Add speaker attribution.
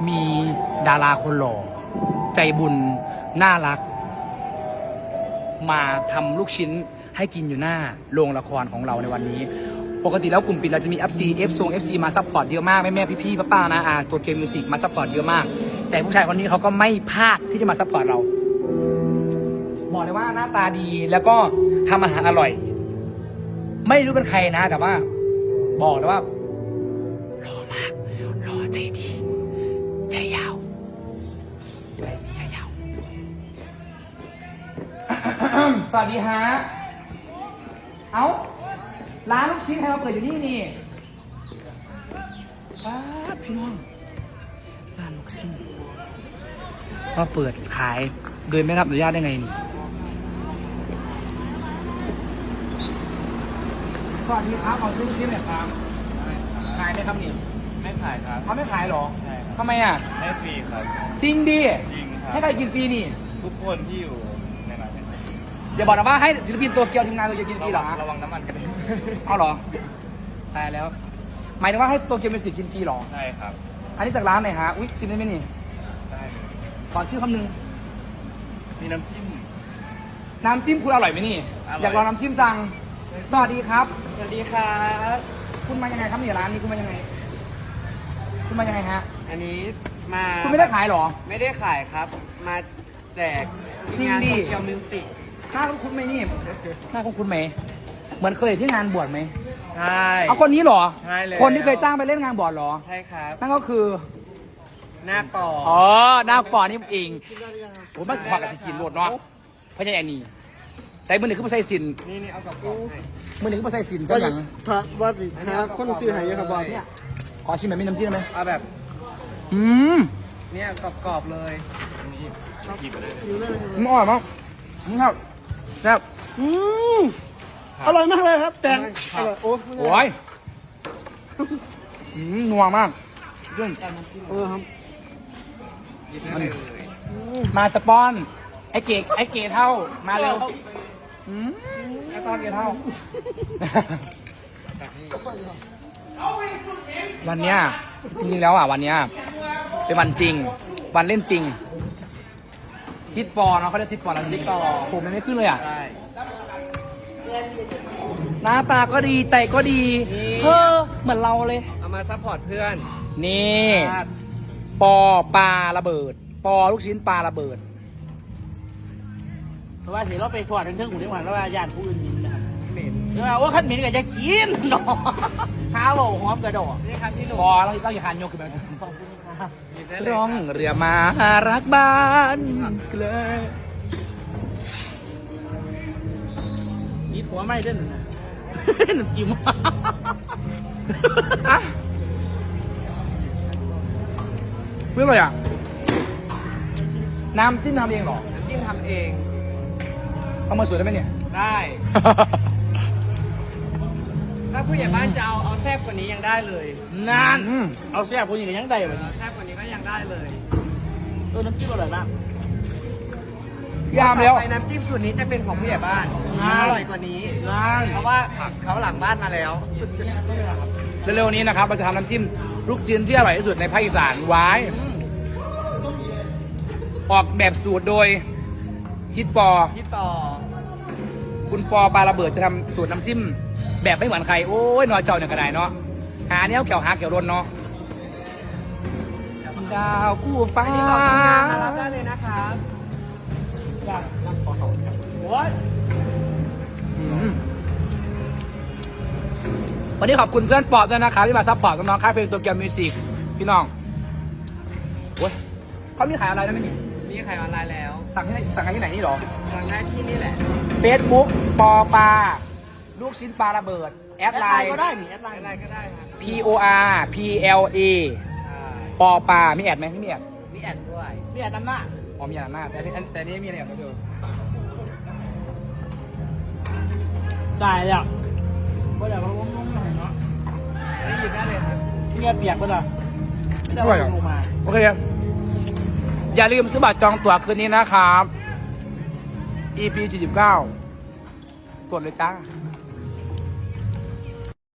Speaker 1: มีดาราคนหล่อใจบุญน่ารักมาทำลูกชิ้นให้กินอยู่หน้าโรงละครของเราในวันนี้ปกติแล้วกลุ่มปิดเราจะมี FC มาซัพพอร์ตเยอะมากแม่พี่ป้านะตัวเกมมิวสิกมาซัพพอร์ตเยอะมากแต่ผู้ชายคนนี้เขาก็ไม่พลาดที่จะมาซัพพอร์ตเราบอกเลยว่าหน้าตาดีแล้วก็ทำอาหารอร่อยไม่รู้เป็นใครนะแต่ว่าบอกเลยว่าหล่อมากหล่อใจดีใจยาวใจยาว สวัสดีฮะเอ้าร้านลูกชิ้นใครมาเปิดอยู่นี่พี่น้องร้านลูกชิ้นมาเปิดขายโดยไม่รับอนุญาตได้ไงนี่สวัสดีครับขอซื้อลูกชิ้นหน่อยครับขายไหมครับนี่
Speaker 2: ไม่ขายครับ
Speaker 1: เขาไม่ขายหรอ
Speaker 2: ใช่ครับ
Speaker 1: ทำไม
Speaker 2: ให้ฟรีครับ
Speaker 1: จริงดิ
Speaker 2: จริงครับ
Speaker 1: ให้ใครกินฟรีนี่
Speaker 2: ทุกคนที่อยู่ในร้าน
Speaker 1: อย่าบอกนะว่าให้ศิลปินตัวเกียวทีมงานตัวเกียวกินฟรีหรอ
Speaker 2: ระวังน้ำมันกัน
Speaker 1: เอาหรอตายแล้วหมายถึงว่าให้ตัวเกียวมิวสิกกินฟรีหรอ
Speaker 2: ใช่ครับ
Speaker 1: อันนี้จากร้านไหนฮะอุ๊ยชิมได้ไหมนี่
Speaker 2: ได้
Speaker 1: ขอชื่อคำหนึ่ง
Speaker 2: มีน้ำจิ้ม
Speaker 1: คุณอร่อยไหมนี่อยากลองน้ำจิ้มจังสวัสดีครับ
Speaker 2: สวัสดีครับ
Speaker 1: คุณมายังไงครับนี่ร้านนี้คุณมายังไงฮะ
Speaker 2: อันนี้มา
Speaker 1: คุณไม่ได้ขายหรอ
Speaker 2: ไม่ได้ขายครับมาแจก
Speaker 1: ทีมงาน
Speaker 2: โตเกียวมิวสิก
Speaker 1: หน้าคุ้นไหมนี่หน้าคุ้นไหมเหมือนเคยเห็นที่งานบวชไหม
Speaker 2: ใช่
Speaker 1: เอาคนนี้หรอ
Speaker 2: ใช่เลย
Speaker 1: คนที่เคยจ้างไปเล่นงานบวชหรอ
Speaker 2: ใช่ครับ
Speaker 1: นั่นก็คือ
Speaker 2: หน้าปอ
Speaker 1: หน้าปอนี่เองผมไม่ขอกับสิกินโหลดเนาะเพราะยังไงนี่ใส่มือหนึ่งขึ้นมาใส่สิน
Speaker 2: นี่เอากับกูให้
Speaker 1: มือหนึ่งขึ้นมาใส่สินก็อย่าง
Speaker 3: ว่าสิหาคนซื้อหายเยอะครับบอล
Speaker 1: เนี่ยขอชิมแบบไม่น้ำจิ้มได้ไหม
Speaker 2: เอาแบบเนี่ยกรอบๆเลยนี่กินไปเลย
Speaker 1: มันอร่อยมากครับแซ่บ
Speaker 3: อร่อยมากเลยครับแตงอร่อยโอ้
Speaker 1: ยนัวมาก
Speaker 3: ครับ
Speaker 1: มาสปอนไอเก๋เท่ามาเร็วไอตอนเก๋เท่าวันเนี้ยจริงๆแล้ววันเนี้ยเป็นวันจริงวันเล่นจริงทิดฟอร์เนาะเขาเรียกทิดฟอร์แล้วทิดฟอร์ผมยังไม่ขึ้นเลย
Speaker 2: ใช่
Speaker 1: หน้าตาก็ดีใจก็ดีเหมือนเราเลย
Speaker 2: เอามาซัพพอร์ตเพื่อน
Speaker 1: นี่ปอปลาระเบิดปอลูกชิ้นปลาระเบิด
Speaker 3: เพราะว่าเห็นเราไปถอดเรื่องของที่หวานแล้วว่าญาติผู้อื่นมินนะครับ
Speaker 2: เหม็น
Speaker 3: เดี๋ยวว่าขั้นมินก็จะกินเนาะข้าวหอมกระโดด
Speaker 2: นี่ครับพี่หนุ่ม
Speaker 1: ปอเราอย่าหันโยกขึ้นมา
Speaker 3: ขอบคุณครับ
Speaker 1: ร้องเรือมารักบ้านเลย
Speaker 3: นี่หัวไม่เล่นนะน้ำจิ้ม
Speaker 1: เพื่ออะไรน้ำจิ้มทำเองหรอ
Speaker 2: น้ำจิ้มทำเอง
Speaker 1: เอามาสวยได้ไหมเนี่ย
Speaker 2: ได้ถ้าผู้ใหญ่บ้านจะเอาแซ่บกว่านี้ยังได้เลย
Speaker 3: นั่นเอาแซ่บกว่านี้ก็ยังได้เลย
Speaker 2: แซ่บกว่านี้ก็ยังได้เลย
Speaker 3: น้ำจิ้มอร่อยมาก
Speaker 1: ยามแล้ว
Speaker 2: ไปน้ำจิ้มสูตรนี้จะเป็นของผู้ใหญ่บ้านอร่อยกว่านี้เพราะว่าเขาหลังบ้านมาแล้ว
Speaker 1: เร็วๆนี้นะครับเราจะทำน้ำจิ้มลูกชิ้นที่อร่อยที่สุดในภาคอีสานไว้ออกแบบสูตรโดยฮิตปอคุณปอปลาระเบิดจะทำสูตรน้ำจิ้มแบบไม่เหมือนใครโอ้ยนอเจ้าเนี่ยกระไดเนาะหาเนี้ยเขียวหาเขียวรนเนาะดาวคู่ฟ้า
Speaker 2: มารับได้เลยนะครับ
Speaker 1: วันนี้ขอบคุณเพื่อนปอบด้วยนะครับที่มาซัพพอร์ตน้องๆค่ายเพลงตัวเกียวมิวสิกพี่น้องโอ้ยเขามีขายอะไรได้ไหมนี่
Speaker 2: มีขายออนไลน์แล้ว
Speaker 1: สั่งที่ไหนนี่หรอ
Speaker 2: สั่งได้ที่นี่แหละ
Speaker 1: Facebook ปอปลาลูกชิ้นปลาระเบิดแอดไลน์
Speaker 3: ก็ได้นี่แอดไลน์
Speaker 2: ก็ได้ครับ
Speaker 1: PORPLA ปอปลามีแอดไหมไม่มีแอด
Speaker 2: มีแอดด้วย
Speaker 3: มีแอดน้ำหน้า
Speaker 1: มีแอดน้ำหน้าแต่นี้มีอะไรอย่างเดียว
Speaker 3: ได้แล้วก็อยากลงหน่อยเนาะ
Speaker 2: ได้ยินได้เลยครับ
Speaker 3: เงียบเปียกก็ได้ไม่ได้ลงมา
Speaker 1: โอเคอย่าลืมซื้อบัตรจองตั๋วคืนนี้นะครับ EP 49กดเลยจ้า